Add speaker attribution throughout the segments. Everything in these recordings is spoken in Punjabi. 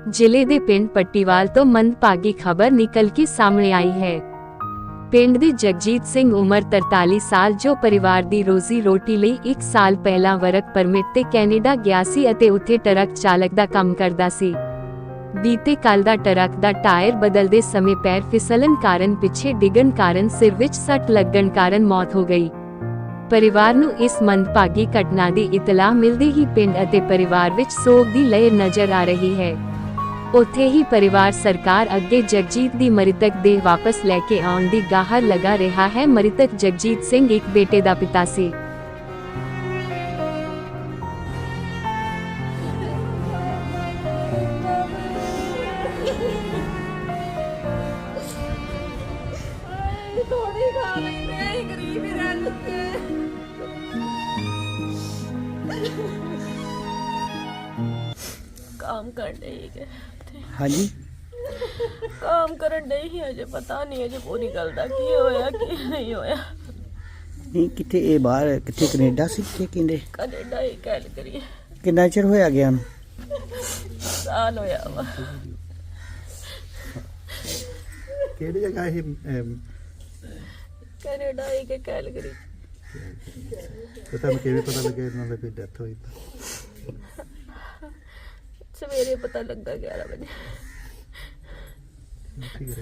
Speaker 1: ਜ਼ਿਲ੍ਹੇ ਦੇ ਪਿੰਡ ਪੱਟੀਵਾਲ ਤੋਂ ਮੰਦਭਾਗੀ ਖਬਰ ਨਿਕਲ ਕੇ ਸਾਹਮਣੇ ਆਈ ਹੈ। ਪਿੰਡ ਦੇ ਜਗਜੀਤ ਸਿੰਘ ਉਮਰ 43 ਸਾਲ ਜੋ ਪਰਿਵਾਰ ਦੀ ਰੋਜ਼ੀ ਰੋਟੀ ਲਈ 1 ਸਾਲ ਪਹਿਲਾਂ ਵਰਕ ਪਰਮਿਟ ਤੇ ਕੈਨੇਡਾ ਗਿਆ ਸੀ ਅਤੇ ਉੱਥੇ ਟਰੱਕ ਚਾਲਕ ਦਾ ਕੰਮ ਕਰਦਾ ਸੀ। ਬੀਤੇ ਕੱਲ ਦਾ ਟਰੱਕ ਦਾ ਟਾਇਰ ਬਦਲਦੇ ਸਮੇਂ ਪੈਰ ਫਿਸਲਣ ਕਾਰਨ ਪਿੱਛੇ ਡਿੱਗਣ ਕਾਰਨ ਸਿਰ ਵਿੱਚ ਸੱਟ ਲੱਗਣ ਕਾਰਨ ਮੌਤ ਹੋ ਗਈ। ਪਰਿਵਾਰ ਨੂੰ ਇਸ ਮੰਦਭਾਗੀ ਘਟਨਾ ਦੀ ਇਤਲਾਹ ਮਿਲਦੇ ਹੀ ਪਿੰਡ ਅਤੇ ਪਰਿਵਾਰ ਵਿੱਚ ਸੋਗ ਦੀ ਲਹਿਰ ਨਜ਼ਰ ਆ ਰਹੀ ਹੈ। ਉੱਥੇ ਹੀ ਪਰਿਵਾਰ ਸਰਕਾਰ ਅੱਗੇ ਜਗਜੀਤ ਦੀ ਮ੍ਰਿਤਕ ਦੇਹ ਵਾਪਸ ਲੈ ਕੇ ਆਉਣ ਦੀ ਗੁਹਾਰ ਲਗਾ ਰਿਹਾ ਹੈ। ਮ੍ਰਿਤਕ ਜਗਜੀਤ ਸਿੰਘ ਇੱਕ ਬੇਟੇ ਦਾ ਪਿਤਾ ਸੀ।
Speaker 2: काम कर रही है।
Speaker 3: हाँ जी
Speaker 2: काम करन डई ही अजे पता नहीं अजे पूरी गल दा की होया की नहीं होया।
Speaker 3: नहीं किथे ये बाहर किथे कनेडा सी किथे किंदे
Speaker 2: कनेडा ही गल करी
Speaker 3: किन्ना चिर होया गया नु
Speaker 2: साल होया वा।
Speaker 4: ਕਿਹੜੀ ਜਗ੍ਹਾ ਇਹ
Speaker 2: कनेडा ही के गल करी
Speaker 4: ਤੇ ਤੁਹਾਨੂੰ ਕਿਵੇਂ ਪਤਾ ਲੱਗਿਆ ਇਹਨਾਂ ਦੀ ਵੀ ਡੈਥ ਹੋਈ ਤਾਂ
Speaker 2: सवेरे पता लगा 11 बजे।
Speaker 4: ਠੀਕ ਹੈ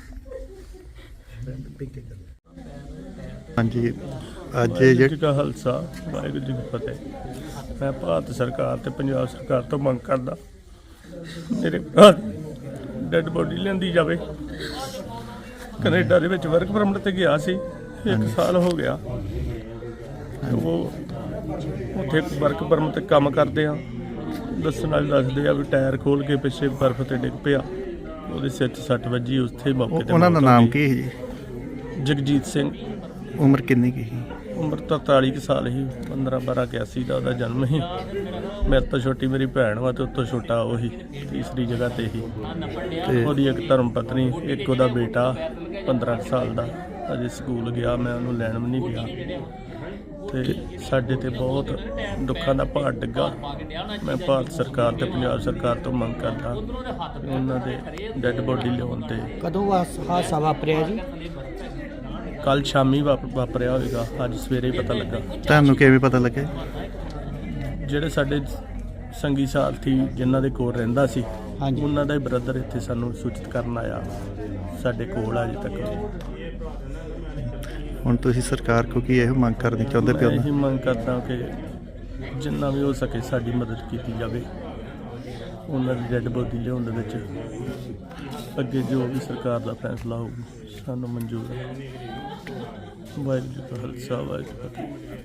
Speaker 4: ਹਾਂਜੀ ਅੱਜ
Speaker 5: ਜੀ ਕਾ ਖਾਲਸਾ ਵਾਹਿਗੁਰੂ ਜੀ ਕੀ ਫਤਿਹ। ਮੈਂ ਭਾਰਤ ਸਰਕਾਰ ਤੇ ਪੰਜਾਬ ਸਰਕਾਰ ਤੋਂ ਮੰਗ ਕਰਦਾ ਮੇਰੇ ਭਰਾ ਡੈਡ ਬੋਡੀ ਲਿਆਂਦੀ ਜਾਵੇ। ਕੈਨੇਡਾ ਦੇ ਵਿੱਚ ਵਰਕ ਪਰਮਿਟ ਤੇ ਗਿਆ ਸੀ, 1 ਸਾਲ ਹੋ ਗਿਆ। ਉਹ ਉੱਥੇ ਵਰਕ ਪਰਮਿਟ ਤੇ ਕੰਮ ਕਰਦੇ ਆ। ਦੱਸਣ ਵਾਲੇ ਦੱਸਦੇ ਆ ਵੀ ਟਾਇਰ ਖੋਲ ਕੇ ਪਿੱਛੇ ਬਰਫ਼ ਤੇ ਡਿੱਗ ਪਿਆ, ਉਹਦੇ ਸਿਰ 'ਚ ਸੱਟ ਵੱਜੀ। ਉੱਥੇ ਮੌਕੇ ਤੇ
Speaker 4: ਉਹਨਾਂ ਦਾ ਨਾਮ ਕੀ ਹੈ ਜੀ?
Speaker 5: ਜਗਜੀਤ ਸਿੰਘ।
Speaker 4: ਉਮਰ ਕਿੰਨੀ ਕੀ ਸੀ?
Speaker 5: ਉਮਰ ਤਾਂ 43 ਕੁ ਸਾਲ ਸੀ। 15-12-81 ਦਾ ਉਹਦਾ ਜਨਮ ਸੀ। ਮੇਰੇ ਤੋਂ ਛੋਟੀ ਮੇਰੀ ਭੈਣ ਵਾ ਤੇ ਉਤੋਂ ਛੋਟਾ ਉਹੀ ਤੀਸਰੀ ਜਗ੍ਹਾ ਤੇ ਹੀ। ਤੇ ਉਹਦੀ ਇੱਕ ਧਰਮ ਪਤਨੀ, ਇੱਕ ਉਹਦਾ ਬੇਟਾ 15 ਕੁ ਸਾਲ ਦਾ ਅਜੇ ਸਕੂਲ ਗਿਆ। ਮੈਂ ਉਹਨੂੰ ਲੈਣ ਵੀ ਨਹੀਂ ਗਿਆ। ਤੇ ਸਾਡੇ ਤੇ ਬਹੁਤ ਦੁੱਖਾਂ ਦਾ ਭਾਰ ਡਿੱਗਾ। ਮੈਂ ਭਾਰਤ ਸਰਕਾਰ ਤੇ ਪੰਜਾਬ ਸਰਕਾਰ ਤੋਂ ਮੰਗ ਕਰਦਾ ਕਿ ਉਹਨਾਂ ਦੇ ਡੈੱਡ ਬੋਡੀ ਲਿਆਉਣ ਤੇ।
Speaker 3: ਕਦੋਂ ਹਾਦਸਾ ਵਾਪਰਿਆ ਜੀ?
Speaker 5: ਕੱਲ ਸ਼ਾਮੀ ਵਾਪਰਿਆ ਹੋਵੇਗਾ, ਅੱਜ ਸਵੇਰੇ ਹੀ ਪਤਾ ਲੱਗਾ।
Speaker 4: ਤੁਹਾਨੂੰ ਕਿਵੇਂ ਪਤਾ ਲੱਗਿਆ?
Speaker 5: ਜਿਹੜੇ ਸਾਡੇ ਸੰਗੀ ਸਾਥੀ ਜਿਨ੍ਹਾਂ ਦੇ ਕੋਲ ਰਹਿੰਦਾ ਸੀ,
Speaker 3: ਹਾਂਜੀ,
Speaker 5: ਉਹਨਾਂ ਦਾ ਹੀ ਬ੍ਰਦਰ ਇੱਥੇ ਸਾਨੂੰ ਸੂਚਿਤ ਕਰਨ ਆਇਆ। ਸਾਡੇ ਕੋਲ ਅਜੇ ਤੱਕ।
Speaker 4: ਹੁਣ ਤੁਸੀਂ ਸਰਕਾਰ ਕੋ ਕੀ ਇਹੋ ਮੰਗ ਕਰਨੀ ਚਾਹੁੰਦੇ
Speaker 5: ਮੈਂ
Speaker 4: ਪਿਓ?
Speaker 5: ਇਹੀ ਮੰਗ ਕਰਦਾ ਕਿ ਜਿੰਨਾ ਵੀ ਹੋ ਸਕੇ ਸਾਡੀ ਮਦਦ ਕੀਤੀ ਜਾਵੇ। ਉਹਨਾਂ ਦੀ ਡੈੱਡ ਬੋਡੀ ਲਿਆਉਣ ਦੇ ਵਿੱਚ ਅੱਗੇ ਜੋ ਵੀ ਸਰਕਾਰ ਦਾ ਫੈਸਲਾ ਹੋਊ ਸਾਨੂੰ ਮਨਜ਼ੂਰ ਹੈ। ਵਾਹਿਗੁਰੂ ਜੀ ਕਾ ਖਾਲਸਾ ਵਾਹਿਗੁਰੂ ਜੀ ਕੀ ਫਤਿਹ।